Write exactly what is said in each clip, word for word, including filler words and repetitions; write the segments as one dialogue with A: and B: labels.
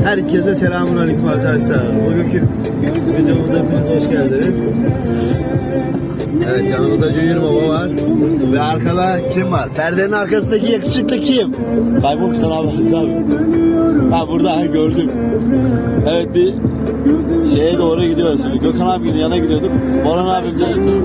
A: Herkese selamünaleyküm arkadaşlar. Bugünkü videomuza hepiniz hoş geldiniz. Evet, yanımızda Junior Baba var. Ve arkada kim var? Perdenin arkasındaki yakışıklı kim? Kaybolmuşsan abi. abi. Ha burada, ha, gördüm. Evet, bir şeye doğru gidiyoruz şimdi. Gökhan abinin yanına gidiyorduk. Boran abim de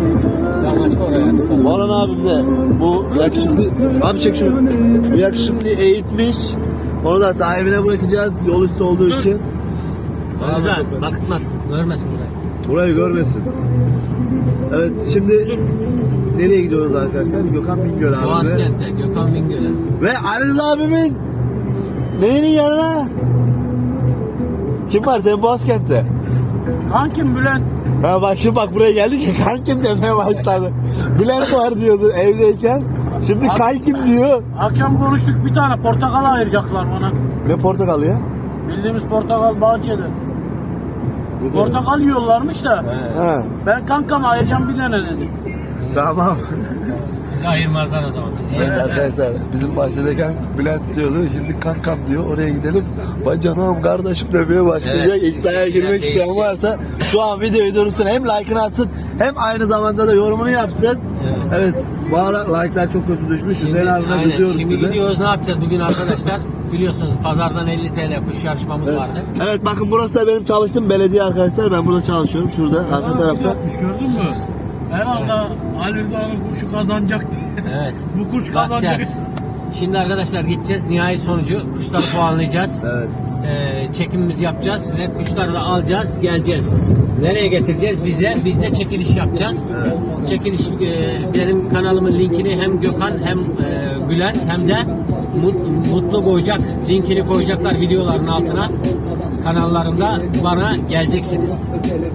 A: Boran abim de bu yakışıklı abi, çek şunu. Bu yakışıklı eğitmiş. Onu da sahibine bırakacağız yol üstü olduğu Dur. için.
B: Güzel, bakıtmasın, görmesin burayı.
A: Burayı görmesin. Evet, şimdi Dur. nereye gidiyoruz arkadaşlar? Gökhan Bingöl abi.
B: Boğazkent'e, Gökhan Bingöl'e.
A: Ve Aliz abimin neyinin yanına? Kim var senin Boğazkent'te?
C: Kankim Bülent.
A: Ha bak, şimdi bak buraya geldik ya, kankim demeye başladı. Bülent var diyordu evdeyken. Şimdi kankim diyor.
C: Akşam konuştuk, bir tane portakal ayıracaklar bana.
A: Ne portakalı ya?
C: Bildiğimiz portakal bahçede. Portakal yiyorlarmış da.
A: Ha.
C: Ben kankam ayıracağım bir tane dedi.
A: Tamam.
B: Bizi ayırmazlar o zaman. Bizi
A: Evet arkadaşlar, bizim bahçedeyken Bülent diyordu, şimdi kankam diyor, oraya gidelim. Bacanağım kardeşim demeye başlayacak.
B: Evet,
A: İddiaya girmek isteyen
B: değişecek.
A: varsa şu an videoyu durursun, hem like'ını atsın hem aynı zamanda da yorumunu yapsın. Evet, evet, bu ara like'lar çok kötü düşmüş.
B: Şimdi,
A: Hüseyin abime
B: aynen,
A: kızıyoruz
B: şimdi
A: size.
B: gidiyoruz, ne yapacağız bugün arkadaşlar? Biliyorsunuz pazardan elli TL kuş yarışmamız
A: Evet.
B: vardı.
A: Evet, bakın burası da benim çalıştığım belediye arkadaşlar. Ben burada çalışıyorum, şurada arka tarafta.
C: Yapmış, gördün mü? Herhalde Ali Dağ'ın kuşu kazanacak diye.
B: Evet.
C: Bu kuş kazanacak.
B: Bakacağız. Şimdi arkadaşlar gideceğiz, nihai sonucu kuşları puanlayacağız.
A: Evet.
B: Ee, çekimimizi yapacağız ve kuşları da alacağız, geleceğiz. Nereye getireceğiz? Bize, biz de çekiliş yapacağız.
A: Evet.
B: Çekiliş, e, benim kanalımın linkini hem Gökhan hem e, Bülent hem de Mut- Mutlu koyacak, linkini koyacaklar videoların altına. Kanallarında bana geleceksiniz.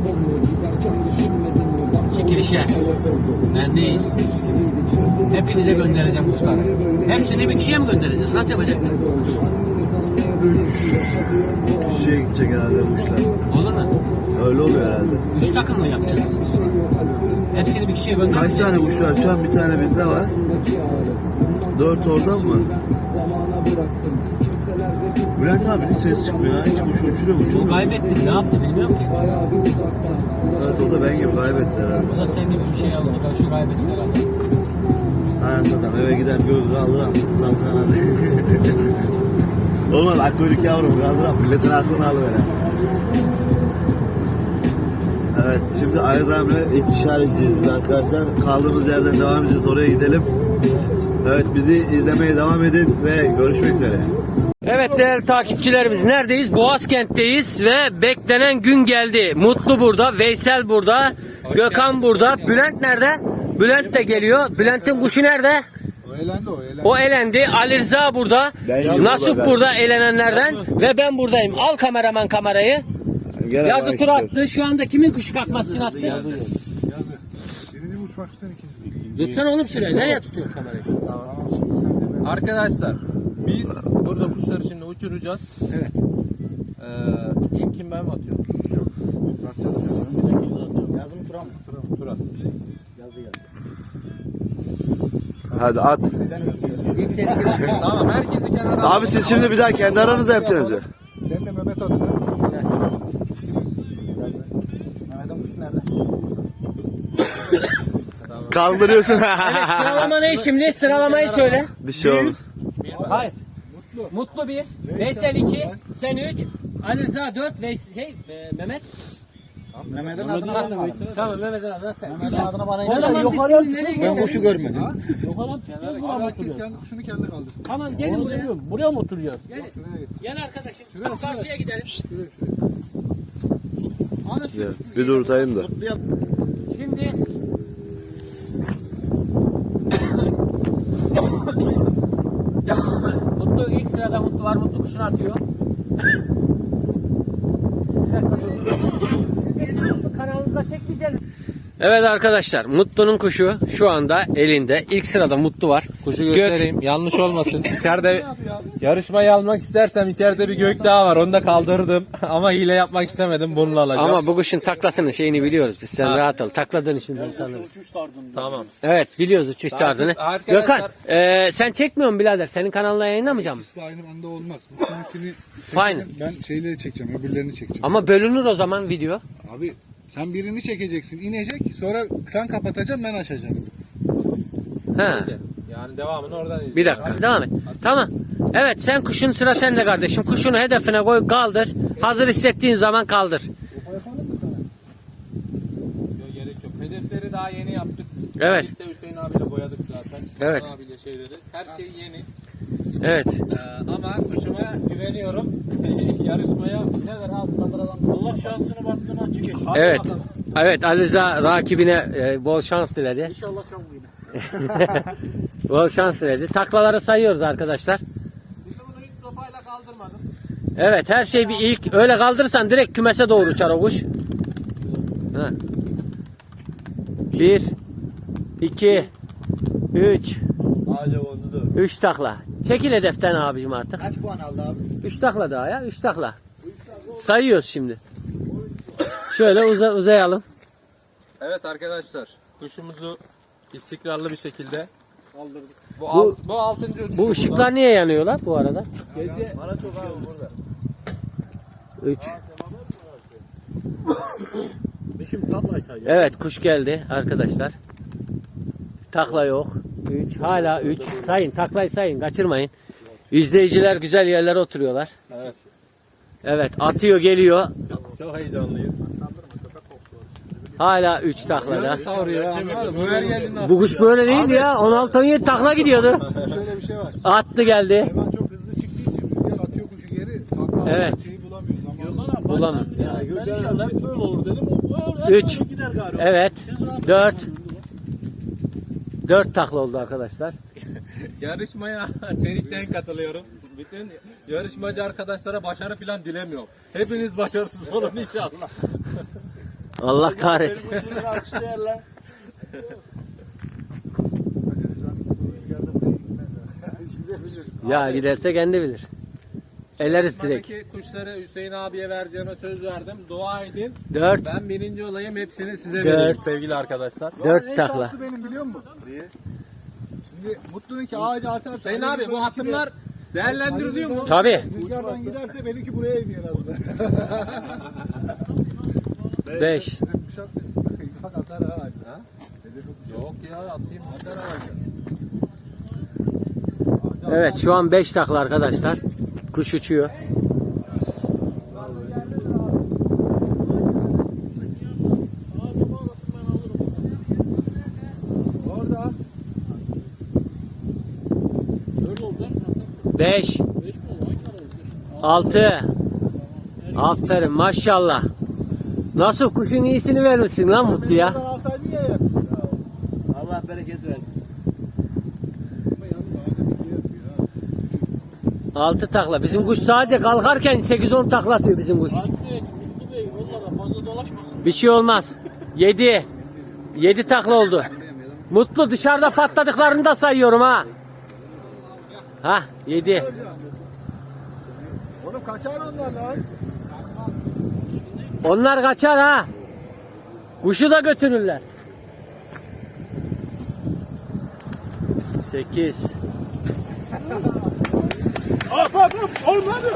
B: Çekilişe. Bendeyiz. Hepinize göndereceğim kuşları. Hepsini bir kişiye mi göndereceğiz? Nasıl yapacaklar?
A: Üç kişiye gidecek herhalde kuşlar.
B: Olur mu?
A: Öyle oluyor herhalde.
B: Üç takım mı yapacağız? Hepsini bir kişiye
A: Kaç
B: göndereceğiz.
A: tane kuş var? Şu an bir tane bizde var. Dört oradan mı? Bülent abi hiç ses çıkmıyor ya. Hiç kuş uçuruyor mu?
B: O
A: Uçurmuyor.
B: kaybettim. Ne yaptı bilmiyorum ki.
A: Evet, o da ben gibi kaybetti herhalde.
B: O da sen gibi bir şey aldı. Şu kaybetti herhalde.
A: Aynen, zaten eve gider gözü aldıram. Salkan hadi. Olmaz, akkuyruk yavrum kaldıram. Milletin aklını alır herhalde. Evet, şimdi Aydam'la ilk işaretçiyiz biz arkadaşlar. Kaldığımız yerden devam edeceğiz, oraya gidelim. Evet, bizi izlemeye devam edin ve görüşmek üzere.
B: Evet değerli takipçilerimiz, neredeyiz? Boğazkent'teyiz ve beklenen gün geldi. Mutlu burada, Veysel burada, Gökhan burada. Bülent nerede? Bülent de geliyor. Bülent'in kuşu nerede?
A: O elendi, o elendi.
B: O elendi. Ali Rıza burada.
A: Ben
B: Nasuh
A: burada,
B: burada elenenlerden. Ve ben buradayım. Al kameraman kamerayı.
A: Gene
B: Yazı
A: bak
B: tur
A: işte.
B: attı. Şu anda kimin kuşu kalkması için attı?
D: Yazı. Birini uçmak isteyen ikinci.
B: Tutsana oğlum şuraya. Nereye tutuyorsun kamerayı?
E: Arkadaşlar biz burada kuşları şimdi uçuracağız.
B: Evet.
E: Ee, ilk kim ben mi atıyorum?
D: Yazım Turan.
E: Turan.
A: Hadi at.
B: İlk seni
E: Tamam, herkesi kenara.
A: Abi siz şimdi bir daha kendi aranızda yapacaksınız ya.
D: Sen de Mehmet adına. Mehmet'in kuşu nerede?
A: Kaldırıyorsun.
B: Evet, sıralama ne şimdi? Sıralamayı söyle.
A: Bir şey oldu.
B: Hayır. Mutlu. Mutlu bir. Veysel iki. Sen üç. Ali Rıza dört. Veysel şey e, Mehmet.
D: Mehmet'in adına ben de varım.
B: Tamam, Mehmet'in adına sen.
D: Mehmet'in adına bana
B: O zaman biz şimdi nereye geçeceğiz?
D: görmedim.
B: Yukarı
D: Herkes kendi kuşunu kendi kaldırsın.
B: Tamam, gelin buraya.
C: Buraya mı oturacağız?
B: Gelin. Gel arkadaşım. Karşıya gidelim. Alın şu.
A: Ya, bir dur tutayım da.
B: Şimdi Mutlu ilk sırada Mutlu var. Mutlu kuşunu atıyor. Kanalımızda çekmeyeceğiz. Evet arkadaşlar, Mutlu'nun kuşu şu anda elinde. İlk sırada Mutlu var.
E: Kuşu göstereyim. Yanlış olmasın. İçeride Yarışmayı almak istersem içeride bir gökdağ var. Onu da kaldırdım. Ama hile yapmak istemedim. Bununla alacağım.
B: Ama bu kuşun taklasının şeyini biliyoruz biz. Sen
E: Ha.
B: rahat ol. Takladığın için ben tanırım.
C: Uçuş tarzında.
E: Tamam.
B: Evet biliyoruz uçuş tarzını.
E: arkadaşlar-
B: Gökhan e, sen çekmiyor musun birader? Senin kanalına yayınlamayacağım mı?
D: İkisi de aynı anda olmaz. Bu seninkini
B: Fine.
D: ben şeyleri çekeceğim, öbürlerini çekeceğim.
B: Ama bölünür o zaman video.
D: Abi sen birini çekeceksin, inecek. Sonra sen kapatacaksın, ben açacağım.
B: Ha.
E: Yani devamını oradan izleyelim.
B: Bir dakika devam et. Tamam. Evet sen kuşun sıra sende kardeşim. Kuşunu hedefine koy kaldır. Hazır hissettiğin zaman kaldır.
E: Yok, gerek yok. Hedefleri daha yeni yaptık.
B: Evet.
E: Birlikte Hüseyin abiyle boyadık zaten.
B: Evet.
E: Hüseyin abiyle şeyleri. Her şey yeni.
B: Evet.
E: Ee, ama kuşuma güveniyorum. Yarışmaya
C: Allah şansını baktığını açık et.
B: Evet. Evet Ali Rıza rakibine e, bol şans diledi.
C: İnşallah sen bu yine.
B: Bol şans diledi. Taklaları sayıyoruz arkadaşlar.
E: Biz bunu hiç sopayla kaldırmadım.
B: Evet her şey bir ilk. Öyle kaldırırsan direkt kümese doğru uçar o kuş. Ha. Bir, iki, üç,
A: Ağaca kondu dur.
B: üç takla. Çekil hedeften abicim artık.
A: Kaç puan aldı abi?
B: Üç takla daha ya. Üç takla. Sayıyoruz şimdi. Şöyle uza, uzayalım.
E: Evet arkadaşlar. Kuşumuzu istikrarlı bir şekilde kaldırdık. Bu,
B: Bu-
E: alt, bu altıncı uçuşu
B: Bu ışıklar niye yanıyorlar bu arada?
E: Gece
A: Bana çok abi burada.
B: Üç.
C: Şimdi tablaysa ya.
B: Evet kuş geldi arkadaşlar. Takla yok. Üç. Hala üç. Sayın taklayı sayın kaçırmayın. İzleyiciler güzel yerlere oturuyorlar.
E: Evet.
B: Evet atıyor geliyor.
E: çok heyecanlıyız.
B: Hala üç taklada.
E: Savuruyor ama bu her geldiğinde
B: Bu kuş böyle değildi ya. on altı on yedi takla gidiyordu.
D: Şöyle bir şey var.
B: Attı geldi.
D: Hayvan çok hızlı çıktığı için rüzgar atıyor kuşu geri. Takla
B: Evet.
D: evet. Şeyi bulamıyor. Zaman.
C: Bana
B: Bulamam.
C: baştan ya, ben inşallah hep böyle olur dedim. O hep
B: Üç.
C: böyle gider galiba.
B: Evet. Dört. Dört takla oldu arkadaşlar.
E: yarışmaya senikten katılıyorum. Bütün yarışmacı arkadaşlara başarı falan dilemiyorum. Hepiniz başarısız olun inşallah.
B: Allah kahretsin.
A: Bunu alkışlayan lan.
D: Rüzgarda buraya gitmez ha. Şimdi bilir.
B: Ya giderse kendi bilir. Eleriz direkt.
E: Buradaki kuşları Hüseyin abiye vereceğime söz verdim. Dua edin.
B: Dört.
E: Ben birinci olayım, hepsini size
B: Dört.
E: vereyim sevgili arkadaşlar.
B: Dört
D: en
B: takla.
D: şanslı benim biliyor musun? Niye? Şimdi Mutlu'nun ki ağaca atarsa.
E: Hüseyin
D: Ali
E: abi bu
D: Rıza'nınki de-
E: atımlar değerlendiriliyor mu?
B: Tabii.
D: Rüzgardan giderse benimki buraya iniyor en azından.
B: Beş.
D: Kuşak bak atar ha. ha?
E: Yok ya atayım.
D: Atar ha.
B: Evet şu an beş takla arkadaşlar. Kuş uçuyor.
D: Orada.
B: Beş. Altı. Aferin maşallah. Nasıl kuşun iyisini vermişsin lan Mutlu ya.
D: Buradan alsaydın ya hep.
A: Allah bereket versin.
D: Ama yalnız ağaca bir yer diyor ha.
B: Altı takla. Bizim kuş sadece kalkarken sekiz on takla atıyor bizim kuş.
C: Takip et. Mutlu Bey onlara fazla dolaşmasın.
B: Bir şey olmaz. Yedi. Yedi takla oldu. Mutlu dışarıda patladıklarını da sayıyorum ha. Ha yedi.
D: Oğlum kaçar onlar lan.
B: Onlar kaçar ha. Kuşu da götürürler. Sekiz.
C: Hop hop hop. Olmadı.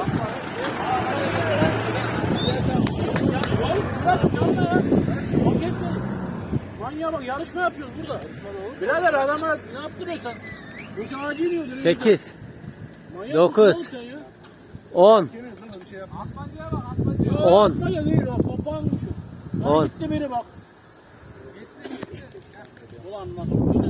C: Manyağa bak yarışma yapıyoruz burada. Birader adama ne yaptırıyorsun? Bu şu ağacı iniyor.
B: Sekiz.
C: Manyak
B: Dokuz.
C: mısın oğlum sen ya?
B: On. On.
C: Atmaca değil o papağan kuşu.
B: On.
C: Lan gitti biri bak. Ulan nasıl?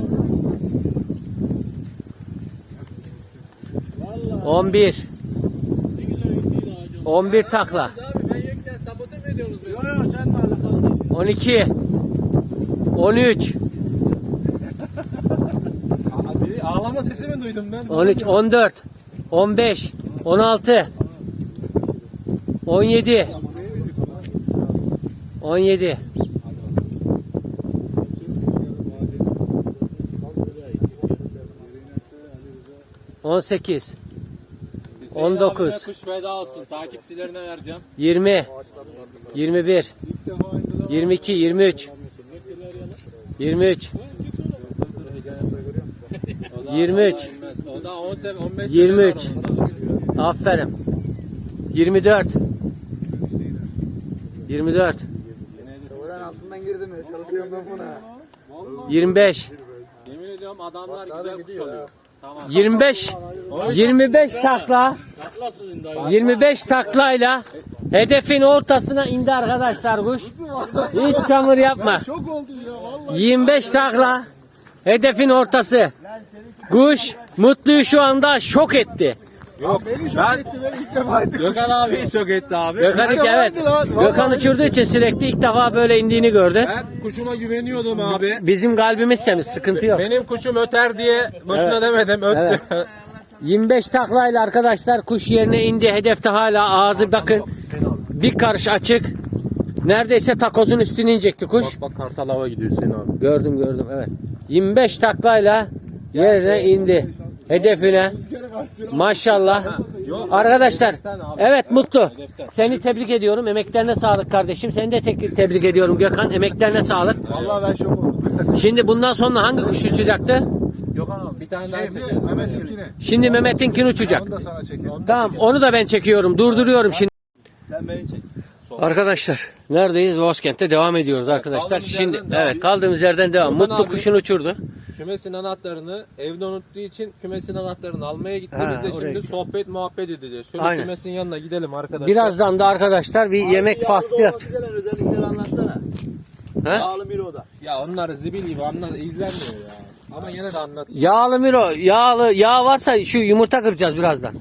C: Vallahi
B: On bir.
C: ne güzel gittiydi ağacı.
B: On bir takla.
E: Abi ben yokken sabote mi ediyorsunuz? beni?
C: Yok yok seninle alakalı değil.
B: On iki. On üç.
E: Abi ağlama sesi mi duydum ben?
B: On üç. On dört. On beş. On altı. On yedi. On yedi. On sekiz.
E: Hüseyin
B: on dokuz.
E: abime kuş feda olsun. Takipçilerine vereceğim.
B: yirmi, yirmi bir,
D: İlk defa indiler.
B: yirmi iki, yirmi üç, yirmi üç,
E: O da-
B: yirmi üç.
E: o da inmez. O da on sev- on beş
B: yirmi üç.
E: seviye var onda.
B: Aferin. yirmi dört, yirmi dört,
D: Oradan altından girdim ya. Çalışıyorum ben buna.
B: yirmi beş,
E: Yemin ediyorum adamlar güzel kuş alıyor. Tamam.
B: yirmi beş, yirmi beş takla, yirmi beş taklayla hedefin ortasına indi arkadaşlar kuş. Hiç çamur yapma.
D: Çok oldum ya vallahi.
B: yirmi beş takla, hedefin ortası. Kuş Mutlu'yu şu anda şok etti.
D: Beni şok
E: Ben-
D: etti. Beni ilk defa etti.
E: Gökhan abi çok etti abi.
B: Gökhan iki, evet. Gökhan uçurduğu için sürekli ilk defa böyle indiğini gördü.
E: Ben kuşuma güveniyordum abi.
B: Bizim kalbimiz temiz, sıkıntı yok.
E: Benim kuşum öter diye boşuna demedim. Öttü.
B: yirmi beş taklayla arkadaşlar kuş yerine indi. Hedefte hala ağzı bakın. Bir karış açık. Neredeyse takozun üstüne inecekti kuş.
E: Bak bak kartal hava gidiyor Hüseyin abi.
B: Gördüm gördüm, evet. yirmi beş taklayla yerine indi. Hedefine. Maşallah. Arkadaşlar, evet Mutlu. Seni tebrik ediyorum. Emeklerine sağlık kardeşim. Seni de tek tebrik ediyorum Gökhan. Emeklerine sağlık.
D: Vallahi ben şok oldum.
B: Şimdi bundan sonra hangi kuş uçacaktı?
E: Gökhan abi bir tane daha çekelim.
D: Şimdi Mehmet'inkine.
B: Şimdi Mehmet'inkini uçacak.
D: Onu da sana çekeyim.
B: Tamam, onu da ben çekiyorum. Durduruyorum şimdi.
A: Sen beni çek.
B: Arkadaşlar neredeyiz? Boğazkent'te devam ediyoruz arkadaşlar.
E: Kaldığımız
B: Şimdi
E: yerden devam.
B: evet, kaldığımız yerden devam.
E: Gökhan
B: Mutlu
E: abi-
B: kuşunu uçurdu.
E: Kümesin anahtarını evde unuttuğu için kümesin anahtarını almaya gitti.
B: Ha,
E: Biz de
B: oraya
E: şimdi
B: gitti.
E: sohbet muhabbet edeceğiz. Şöyle
B: Aynen.
E: kümesin yanına gidelim arkadaşlar.
B: Birazdan da arkadaşlar bir yemek faslı yap.
A: Gelen özellikleri anlatsana.
B: He?
A: Yağlı bir oda.
E: Ya onlar zibil gibi anla, izlenmiyor ya. Ama yine de anlat.
B: Yağlı miro, yağlı yağ varsa şu yumurta kıracağız birazdan.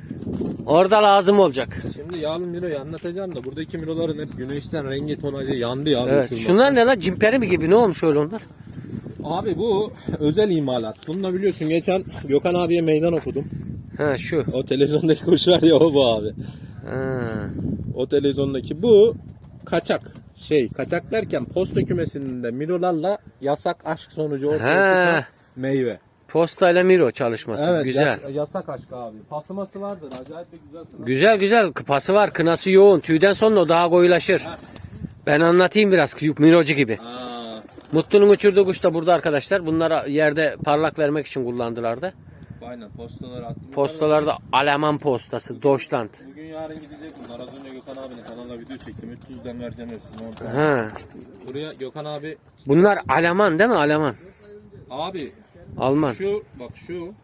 B: Orada lazım olacak.
E: Şimdi yağlı miroyu anlatacağım da buradaki miroların hep güneşten rengi tonajı yandı ya.
B: Evet.
E: uçurmak.
B: Şunlar ne lan? Cimperi mi gibi? Ne olmuş öyle onlar?
E: Abi bu özel imalat. Bununla biliyorsun geçen Gökhan abiye meydan okudum.
B: Ha şu.
E: O televizyondaki kuş var ya o bu abi.
B: Ha.
E: O televizyondaki bu kaçak. Şey kaçak derken posta kümesinde mirolarla yasak aşk sonucu ortaya
B: He.
E: çıkan meyve.
B: Postayla miro çalışması.
E: Evet
B: güzel.
E: yas- yasak aşk abi. Pasıması vardır acayip bir güzel. kına.
B: Güzel güzel. Pası var. Kınası yoğun. Tüyden sonra o daha koyulaşır. Ben anlatayım biraz. Mirocu gibi.
E: Aa,
B: Mutlu'nun uçurduğu kuş da burada arkadaşlar. Bunlara yerde parlak vermek için kullandılar da.
E: aynen postaları attım.
B: Postalarda Alman postası. Deutschland.
E: Bugün yarın gidecek bunlar. Az önce Gökhan abinin kanalına video çektim. üç yüzden vereceğim hepsini. on tane.
B: Ha.
E: Buraya Gökhan abi.
B: Bunlar Alman değil mi? Alman.
E: Abi
B: Alman.
E: şu bak şu.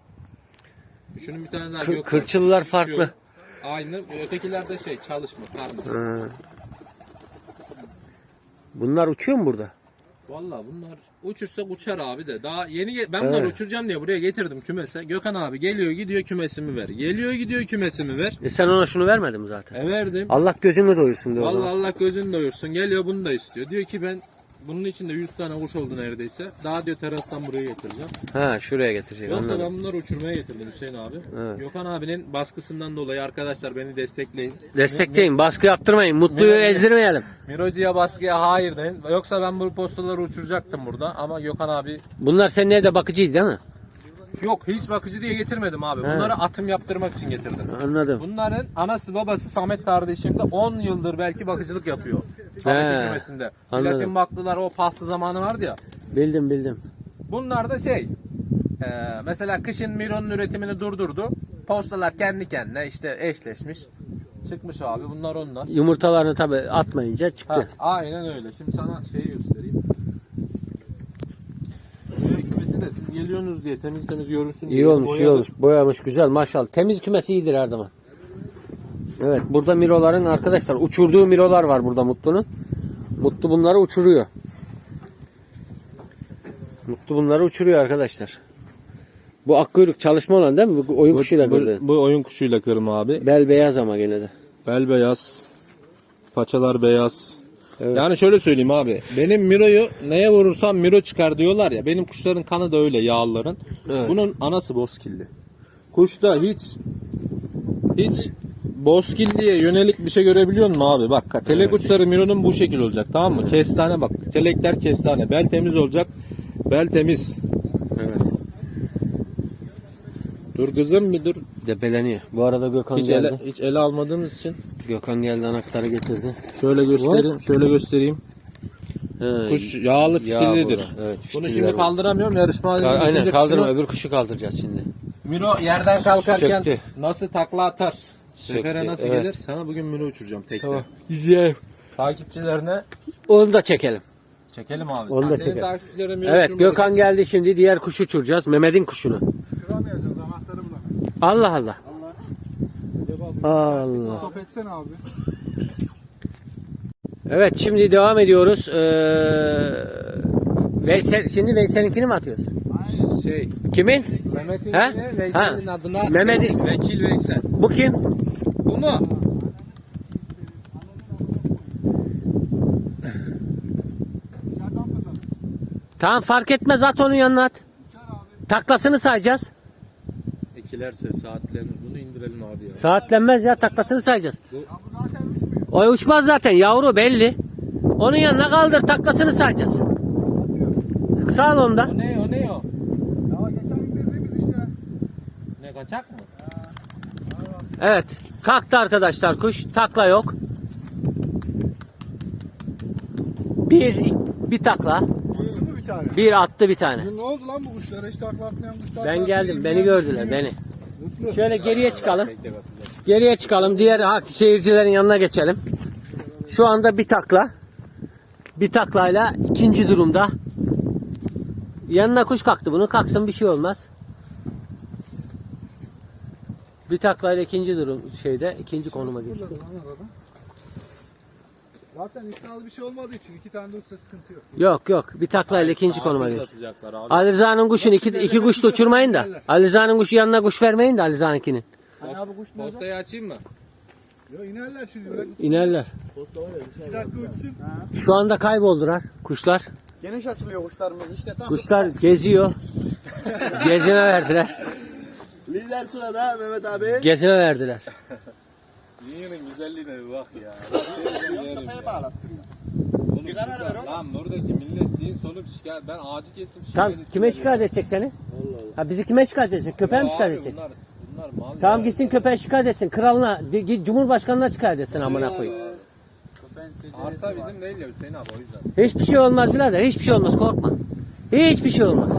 E: Şunun bir tane daha
B: Kır-
E: Gökhan.
B: kırçıllar
E: Şu.
B: farklı.
E: Aynı. Ötekiler de şey çalışma. Karma.
B: Ha. Bunlar uçuyor mu burada?
E: Valla bunlar uçursa uçar abi de. Daha yeni ge- ben bunları
B: Evet.
E: uçuracağım diye buraya getirdim kümese. Gökhan abi geliyor gidiyor kümesimi ver. Geliyor gidiyor kümesimi ver.
B: E sen ona şunu vermedin mi zaten?
E: E verdim.
B: Allah gözünü doyursun diyor. o
E: Valla
B: zaman.
E: Allah gözünü doyursun. Geliyor bunu da istiyor. Diyor ki ben bunun içinde yüz tane kuş oldu neredeyse. Daha diyor terastan buraya getireceğim.
B: Ha, şuraya getirecek.
E: Yoksa
B: Anladım.
E: ben bunları uçurmaya getirdim Hüseyin abi.
B: Evet.
E: Gökhan abinin baskısından dolayı arkadaşlar beni destekleyin.
B: Destekleyin. Baskı yaptırmayın. Mutluyu
E: Ne- ne-
B: ezdirmeyelim.
E: Mirocu'ya baskıya hayır deyin. Yoksa ben bu postaları uçuracaktım burada ama Gökhan abi
B: Bunlar senin evde bakıcıydı değil mi?
E: yok hiç bakıcı diye getirmedim abi.
B: He.
E: Bunları atım yaptırmak için getirdim.
B: Anladım.
E: Bunların anası babası Samet kardeşim de on yıldır belki bakıcılık yapıyor. Samet'in
B: He,
E: kümesinde.
B: anladım.
E: Platin baktılar o paslı zamanı vardı ya.
B: Bildim bildim.
E: Bunlar da şey e, mesela kışın Miro'nun üretimini durdurdu. Postalar kendi kendine işte eşleşmiş. Çıkmış abi bunlar onlar.
B: Yumurtalarını tabi atmayınca çıktı.
E: Ha, aynen öyle. Şimdi sana şeyi göstereyim. Böyle kümesi de siz geliyorsunuz diye temiz temiz görünsün diye
B: İyi olmuş, iyi
E: boyadım.
B: olmuş. Boyamış, güzel maşallah. Temiz kümesi iyidir her zaman. Evet, burada miroların arkadaşlar uçurduğu mirolar var burada Mutlu'nun. Mutlu bunları uçuruyor. Mutlu bunları uçuruyor arkadaşlar. Bu akkuyruk çalışma olan değil mi? Bu oyun kuşuyla böyle.
E: Bu, bu oyun kuşuyla kırma abi.
B: Bel beyaz ama gene de.
E: Bel beyaz. Paçalar beyaz.
B: Evet.
E: Yani şöyle söyleyeyim abi. Benim Miro'yu neye vurursam Miro çıkar diyorlar ya. Benim kuşların kanı da öyle yağlıların.
B: Evet.
E: Bunun anası bozkilli. Kuşta hiç hiç bozkilliye yönelik bir şey görebiliyor musun abi? Bak telek uçları Miro'nun bu şekil olacak tamam mı? Kestane bak. Telekler kestane. Bel temiz olacak. Bel temiz.
B: Evet.
E: Dur kızım bir dur.
B: Debeleniyor. Bu arada Gökhan
E: Hiç
B: geldi.
E: ele, hiç ele almadığımız için
B: Gökhan geldi, anahtarı getirdi.
E: şöyle göstereyim. Şöyle göstereyim.
B: He,
E: Kuş yağlı fitillidir.
B: burada. Evet,
E: Bunu
B: fitilleri
E: şimdi
B: bu.
E: kaldıramıyorum. Yarışma
B: Ka- Aynen
E: bitince
B: kaldırma,
E: kuşunu-
B: öbür kuşu kaldıracağız şimdi.
E: Miro yerden kalkarken
B: Söktü.
E: nasıl takla atar? Sefere
B: Söktü,
E: nasıl
B: evet.
E: gelir? Sana bugün Miro uçuracağım tekte.
B: Tamam. İzleyelim.
E: Takipçilerine
B: Onu da çekelim.
E: çekelim abi.
B: Onu da
E: Senin
B: çekelim.
E: takipçilerine Miro
B: Evet,
E: uçurmadık.
B: Gökhan geldi şimdi, diğer kuşu uçuracağız. Mehmet'in kuşunu.
D: Kıramayacağız anahtarı bulamıyorum.
B: Allah Allah. Allah.
D: Stop etsene abi.
B: Evet, şimdi devam ediyoruz. Ee, Veysel, şimdi Veysel'inkini mi atıyoruz?
E: Şey,
B: Kimin?
E: Mehmet'in
B: He?
E: yine Veysel'in
B: Ha.
E: adına
B: Mehmet'in-
E: Vekil Veysel.
B: Bu kim?
E: Bu mu?
D: İçeriden fırladı.
B: Tamam, fark etmez, at onun yanına at. Taklasını sayacağız.
E: Ekilerse saatlerini bunu indirelim abi ya.
B: Saatlenmez ya, taklasını sayacağız.
D: Ya bu zaten uçmuyor.
B: O uçmaz zaten, yavru belli. Onun yanına kaldır, taklasını sayacağız. Sağ ol onda.
E: O ne o ne o?
D: Ya geçen indirdiğimiz işte.
E: Ne kaçak mı?
B: Evet, kalktı arkadaşlar kuş, takla yok. Bir, bir takla,
D: Uçtu mu bir tane?
B: bir attı bir tane.
D: Ne oldu lan bu kuşlara? Hiç takla atmayan kuşlar.
B: Ben
D: takla
B: geldim,
D: atmayan
B: beni
D: kuş
B: gördüler,
D: değil.
B: beni.
D: Mutlu.
B: Şöyle geriye çıkalım.
E: Tek tek atacağız.
B: Geriye çıkalım, diğer hak seyircilerin yanına geçelim. Şu anda bir takla. Bir taklayla ikinci durumda. Yanına kuş kalktı, bunu kalksın bir şey olmaz. Bir taklayla ikinci durum şeyde, ikinci konuma geçti.
D: Fırladı lan arada. Zaten iddialı bir şey olmadığı için iki tane de uçsa sıkıntı yok.
B: Yok yok, bir taklayla ikinci konuma
E: Saatimiz
B: geçti.
E: atacaklar abi.
B: Ali Rıza'nın kuşunu iki, iki kuş da uçurmayın da. Ali Rıza'nın kuşu yanına kuş vermeyin de Ali Rıza'nınkinin.
D: Hani abi kuş nerede?
E: Postayı açayım mı?
D: Yo inerler şimdi. Bırak.
B: İnerler.
D: İki dakika uçsun.
B: Şu anda kayboldular kuşlar.
D: Geniş açılıyor kuşlarımız işte. Tam
B: Kuşlar geziyor. Gezine verdiler.
A: Lider sırada Mehmet abi.
B: Gezine verdiler.
E: Dünyanın güzelliğine bir bak ya.
D: kafaya bağlattım.
E: Oğlum,
A: karar ver oğlum.
E: Lan buradaki millet cins olup şikayet. Ben ağacı kestim şikayet
B: Tamam,
E: ettim.
B: kime şikayet edecek seni? Ha, bizi kime şikayet edecek? Köpeğe mi
E: Ya
B: şikayet
E: abi,
B: edecek?
E: Bunlar, bunlar mal
B: Tamam,
E: ya.
B: gitsin köpeğe şikayet etsin. Kralına, di- git Cumhurbaşkanına şikayet etsin amına koyayım.
E: Arsa bizim değil ya Hüseyin abi o yüzden.
B: Hiçbir şey olmaz birader. Hiçbir şey olmaz, korkma. Hiçbir şey olmaz.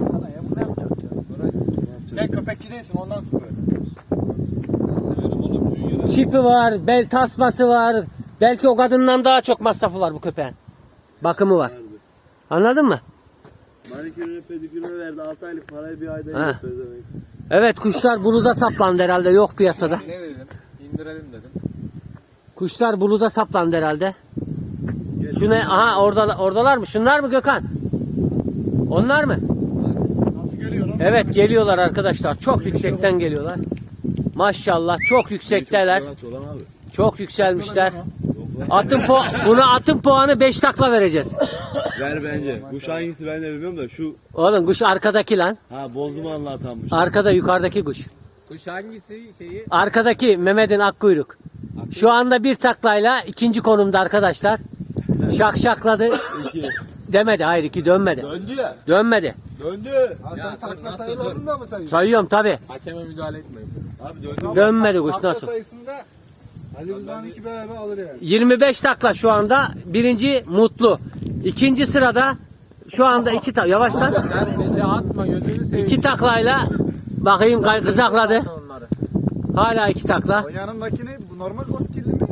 A: Sen köpekçi değilsin ondan sonra.
E: Ben severim oğlum Junior'ı.
B: Çipi var, bel tasması var. Belki o kadından daha çok masrafı var bu köpeğin. Bakımı var. Anladın mı?
A: Manikürünü pedikürünü verdi. altı aylık parayı bir ayda
B: Ha.
A: yiyor.
B: Evet, kuşlar buluda saplandı herhalde, yok piyasada.
E: Ne dedim? İndirelim dedim.
B: Kuşlar buluda saplandı herhalde. Şu ne? Aha, orada oradalar mı? Şunlar mı Gökhan? Onlar mı?
D: Nasıl geliyor lan?
B: Evet, geliyorlar arkadaşlar. Çok yüksekten geliyorlar. Maşallah çok yüksekteler. Çok yükselmişler. Atın po buna atın puanı beş takla vereceğiz.
A: Ver bence. Kuş hangisi ben de bilmiyorum da şu.
B: Oğlum kuş arkadaki lan.
A: Ha bozdumanla atanmış.
B: Arkada, yukarıdaki kuş.
E: Kuş hangisi şeyi?
B: Arkadaki Mehmet'in akkuyruk. Şu anda bir taklayla ikinci konumda arkadaşlar. Şak şakladı.
A: İki.
B: Demedi, hayır, iki dönmedi.
A: Döndü ya.
B: Dönmedi.
A: Döndü.
D: Ha
E: Ya,
D: sen
E: dur,
D: takla
E: nasıl
D: sayılarını da mı sayıyorsun?
B: Sayıyorum tabi.
E: Hakeme müdahale etmeyin.
A: Abi döndü.
B: Dönmedi kuş,
D: Takla
B: nasıl?
D: sayısında Ali Rıza'nın iki beraber alır yani.
B: yirmi beş takla şu anda. Birinci Mutlu. İkinci sırada şu anda iki takla. Yavaş lan.
E: Sen beşe atma gözünü seveyim.
B: İki taklayla bakayım, kay- kızakladı.
E: Onları.
B: Hala iki takla.
D: O yanındakini bu normal koskilli mi?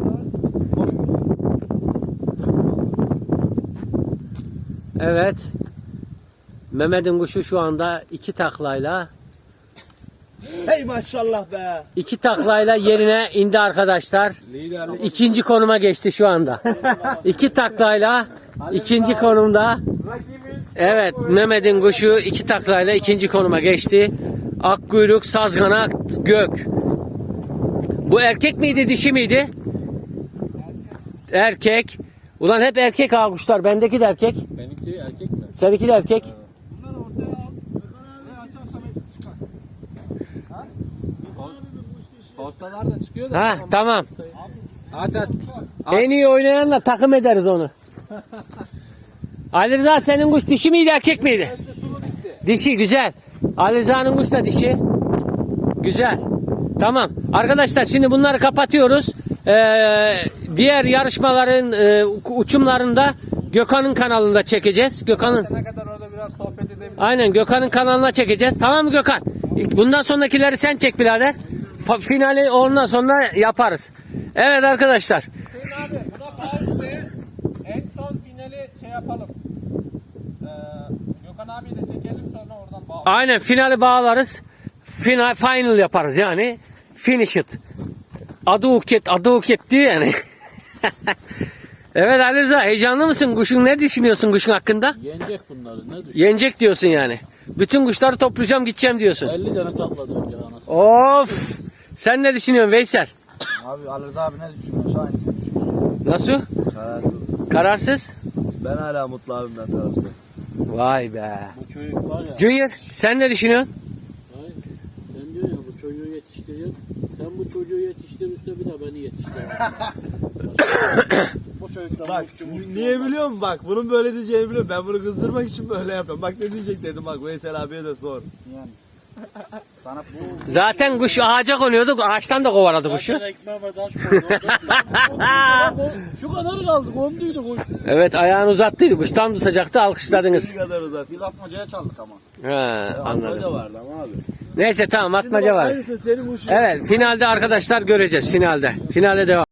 B: Evet. Mehmet'in kuşu şu anda iki taklayla
A: Hey maşallah be.
B: iki taklayla yerine indi arkadaşlar.
E: Liderlik.
B: İkinci konuma geçti şu anda. İki taklayla ikinci konumda. Evet, Mehmet'in kuşu iki taklayla ikinci konuma geçti. Akkuyruk, sazgana, gök. Bu erkek miydi, dişi miydi? Erkek. Ulan hep erkek ha kuşlar. Bendeki de erkek.
E: Benimki erkek mi?
B: Seninki de erkek.
D: Bunları ortaya al. Ne açarsam hepsi çıkar.
E: Postalar da çıkıyor da.
B: Ha tamam.
E: Aç aç.
B: En iyi oynayanla takım ederiz onu. Ali Rıza, senin kuş dişi miydi, erkek miydi? Dişi, güzel. Ali Rıza'nın kuş da dişi. Güzel. Tamam. Arkadaşlar şimdi bunları kapatıyoruz. Ee, diğer yarışmaların e, uçumlarını da Gökhan'ın kanalında çekeceğiz. Gökhan'ın
E: Ne kadar orada biraz sohbet edebiliriz.
B: Aynen Gökhan'ın kanalına çekeceğiz. Tamam mı Gökhan? Bundan sonrakileri sen çek birader. Fa- Finali ondan sonra yaparız. Evet arkadaşlar.
E: Hüseyin abi buna pause de en son finali şey yapalım. Ee, Gökhan abiyi de çekelim sonra oradan bağlayalım.
B: Aynen finali bağlarız. Final, final yaparız yani. Finish it. Adı uket, adı uket diyor yani. Evet Ali Rıza, heyecanlı mısın? Kuşun ne düşünüyorsun kuşun hakkında?
C: Yenecek bunları ne düşün?
B: Yenecek diyorsun yani. Bütün kuşları toplayacağım gideceğim diyorsun.
C: elli tane takladı önce anasını.
B: Of! Sen ne düşünüyorsun Veysel?
D: Abi Ali Rıza abi ne düşünüyorsa aynısını düşünüyorum.
B: Nasıl?
A: Kararsız.
B: Kararsız?
A: Ben hala mutlu abimden tarafta.
B: Vay be.
C: Bu çocuk var ya.
B: Junior sen ne düşünüyorsun?
C: Hayır. Sen diyorsun ya bu çocuğu yetiştiriyorsun. Sen bu çocuğu yetiştir üstüne bir de beni yetiştir. Bu çocuktan
A: Bak
C: uççu uççu
A: niye
C: olmaz.
A: biliyor musun? Bak bunun böyle diyeceğini biliyorum. Ben bunu kızdırmak için böyle yapıyorum. Bak ne diyecek dedim bak Veysel abiye de sor.
D: Yani. Sana bu
B: Zaten kuş ağaca konuyordu. Ağaçtan da kovaladı kuşu.
C: Zaten ekmeğime taş koydu. Şu kadar kaldı. Konduydu kuş.
B: Evet ayağını uzattıydı. Kuş tam tutacaktı. Alkışladınız.
A: Ne kadar uzat.
D: biz atmacaya çaldık ama.
B: He,
A: Atmaca
B: anladım.
A: vardı ama abi.
B: Neyse tamam atmaca var.
A: Aynısı senin kuşun.
B: Evet finalde arkadaşlar göreceğiz finalde. Finale devam.